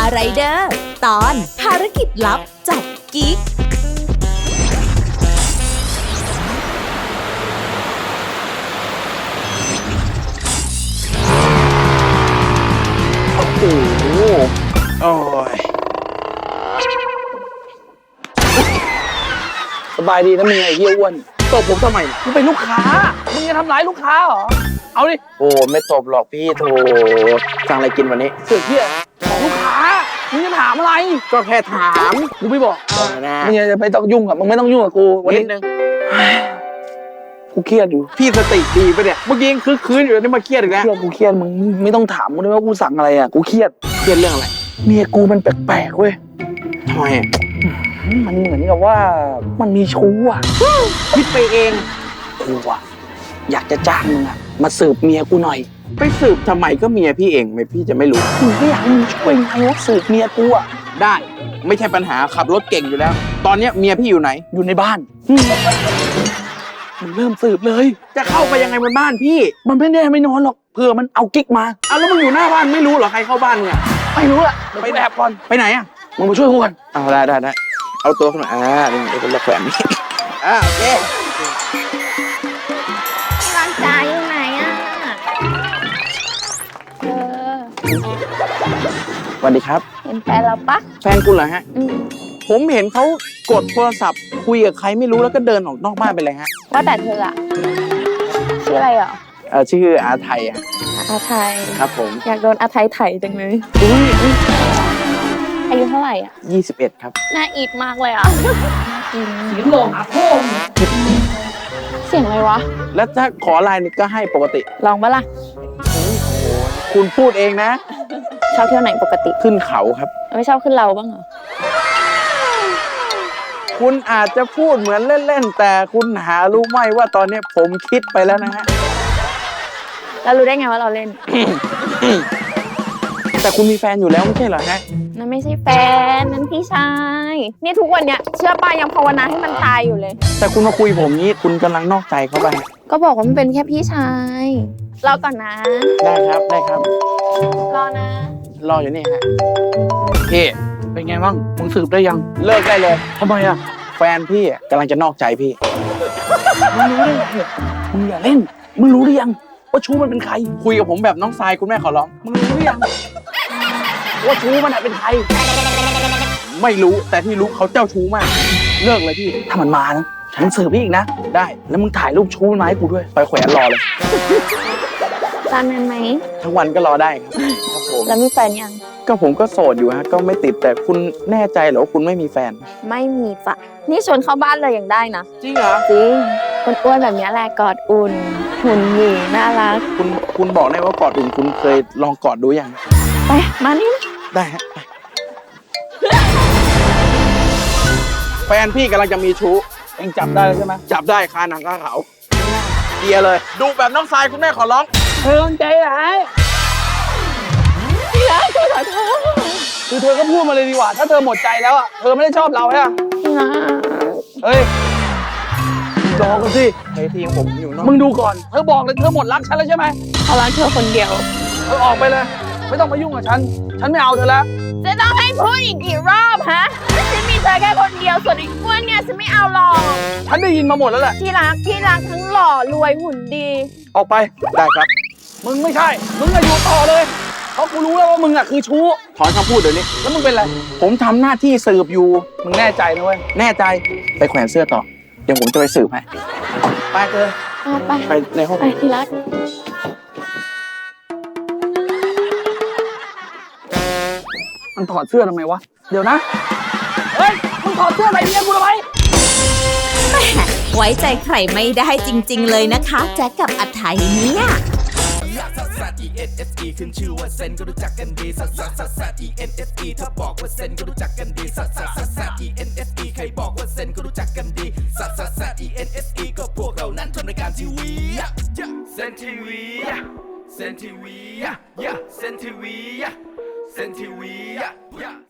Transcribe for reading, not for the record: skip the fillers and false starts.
ไรเดอร์ตอนภารกิจลับจับกิ๊กโอ้โหโอ้ยสบายดีนะมึงไอ้เหี้ยอ้วนตบผมทำไมมึงเป็นลูกค้ามึงจะทำร้ายลูกค้าเหรอเอาดิโอ้ไม่ตบหรอกพี่โถสั่งอะไรกินวันนี้เสือกเหี้ยของลูกค้ามึงจะถามอะไรก็แค่ถามกูไม่บอกมึงจะไม่ต้องยุ่งกับมึงไม่ต้องยุ่งกับกูวันนี้นึงกูเครียดอยู่พี่สติดีปะเนี่ยเมื่อกี้ยังคืนอยู่นี่มาเครียดอีกแล้วกูเครียดมึงไม่ต้องถามกูเลยว่ากูสั่งอะไรอ่ะกูเครียดเรื่องอะไรเมียกูมันแปลกๆเว้ยทำไมมันเหมือนกับว่ามันมีชู้อ่ะคิดไปเองกูอ่ะอยากจะจ้างมึงอ่ะมาสืบเมียกูหน่อยไปสืบทำไมก็เมียพี่เองไม่พี่จะไม่รู้มึงก็อยากให้มึงช่วยไงว่าสืบเมียกูอ่ะได้ไม่ใช่ปัญหาขับรถเก่งอยู่แล้วตอนเนี้ยเมียพี่อยู่ไหนอยู่ในบ้านมันเริ่มสืบเลยจะเข้าไปยังไงบนบ้านพี่มันไม่แน่ไม่นอนหรอกเผื่อมันเอากิ๊กมาแล้วมึงอยู่หน้าบ้านไม่รู้เหรอใครเข้าบ้านเนี่ยไม่รู้ละไปแอบก่อนไปไหนอ่ะมึงมาช่วยกูก่อนได้เอาตัวขึ้นมานี่เป็นละแขวนนี่โอเคร้านจ๋าอยู่ไหนอ่ะสวัสดีครับเห็นแฟนเราปะแฟนคุณเหรอฮะผมเห็นเขากดโทรศัพท์คุยกับใครไม่รู้แล้วก็เดินออกนอกบ้านไปเลยฮะว่าแต่เธออะชื่ออะไรเหรอชื่ออาไทยอาไทยครับผมอยากโดนอาไทยไถจังเลยอายุเท่าไหร่อ่ะ 21ครับน่าอีดมากเลยอ่ะเสียงหลงโค้งเสียงอะไรวะแล้วถ้าขอไลน์นี่ก็ให้ปกติลองปะล่ะคุณพูดเองนะชอบเที่ยวไหนปกติขึ้นเขาครับไม่ชอบขึ้นเราบ้างเหรอคุณอาจจะพูดเหมือนเล่นๆแต่คุณหารู้ไหมว่าตอนนี้ผมคิดไปแล้วนะฮะแล้วรู้ได้ไงว่าเราเล่นแต่คุณมีแฟนอยู่แล้วไม่ใช่เหรอฮะนั่นไม่ใช่แฟนนั่นพี่ชายนี่ทุกวันเนี้ยเชื่อป้ายังภาวนาให้มันตายอยู่เลยแต่คุณมาคุยผมนี้คุณกำลังนอกใจเขาไปก็บอกว่ามันเป็นแค่พี่ชายรอก่อนนะได้ครับรอนะรออยู่นี่ฮะพี่เป็นไงบ้างมึงสืบได้ยังเลิกได้เลยทำไมอ่ะแฟนพี่กำลังจะนอกใจพี่มึงรู้ได้ไงมึงอย่าเล่นมึงรู้หรือยังว่าชู้มันเป็นใครคุยกับผมแบบน้องทรายคุณแม่ขอร้องมึงรู้หรือยังว่าชู้มันเป็นใครไม่รู้แต่ที่รู้เขาเจ้าชู้มากเลิกเลยพี่ถ้ามันมานะฉันสืบพี่อีกนะได้แล้วมึงถ่ายรูปชู้มันมาให้กูด้วยไปแขวนรอเลยตอนนั้นไหมทั้งวันก็รอได้ครับผมแล้วมีแฟนยังก็ผมก็โสดอยู่ฮะก็ไม่ติดแต่คุณแน่ใจเหรอว่าคุณไม่มีแฟนไม่มีจ้ะนี่ชวนเข้าบ้านเลยยังได้นะจริงเหรอจริงคนอ้วนแบบนี้แหละกอดอุ่นหุ่นหยีน่ารักคุณบอกได้ว่ากอดอุ่นคุณเคยลองกอดดูยังไปมานี่ได้ฮะไปแฟนพี่กำลังจะมีชู้เองจับได้แล้วใช่ไหมจับได้คาหนังคาเขาเกียร์เลยดูแบบน้องทรายคุณแม่ขอร้องเธอใจร้ายพี่รักขอโทษคือเธอก็พูดมาเลยดีกว่าถ้าเธอหมดใจแล้วอ่ะเธอไม่ได้ชอบเราใช่ไหมเฮ้ยรอกันสิเฮ้ยทีมผมอยู่นอกมึงดูก่อนเธอบอกเลยเธอหมดรักฉันแล้วใช่ไหมเขารักเธอคนเดียวเธอออกไปเลยไม่ต้องมายุ่งกับฉันไม่เอาเธอแล้วจะต้องให้พูดอีกกี่รอบฮะฉันมีเธอแค่คนเดียวส่วนอีกอ้วนเนี่ยฉันไม่เอาหรอกฉันได้ยินมาหมดแล้วแหละที่รักทั้งหล่อรวยหุ่นดีออกไปได้ครับมึงไม่ใช่มึงอยู่ต่อเลยเพราะกูรู้แล้วว่ามึงอ่ะคือชู้ถอนคำพูดเดี๋ยวนี้แล้วมึงเป็นไรผมทำหน้าที่สืบอยู่มึงแน่ใจนะเว้ยแน่ใจไปแขวนเสื้อต่อเดี๋ยวผมจะไปสืบให้ไปเธอไปในห้องไปที่รักมันถอดเสื้อทำไมวะเดี๋ยวนะเฮ้ยมึงถอดเสื้ออะไรเนี่ยกูทำไมไว้ใจใครไม่ได้จริงๆเลยนะคะแจ็คกับอาไทยเนี่ยขึ้นชื่อว่าเซนก็รู้จักกันดีซัส ENSE ถ้าบอกว่าเซนก็รู้จักกันดีซัส ENSE ใครบอกว่าเซนก็รู้จักกันดีซัส ENSE ก็พวกเรานั้นทำรายการทีวีเซนทีวีเซนทีวีเซนทีวี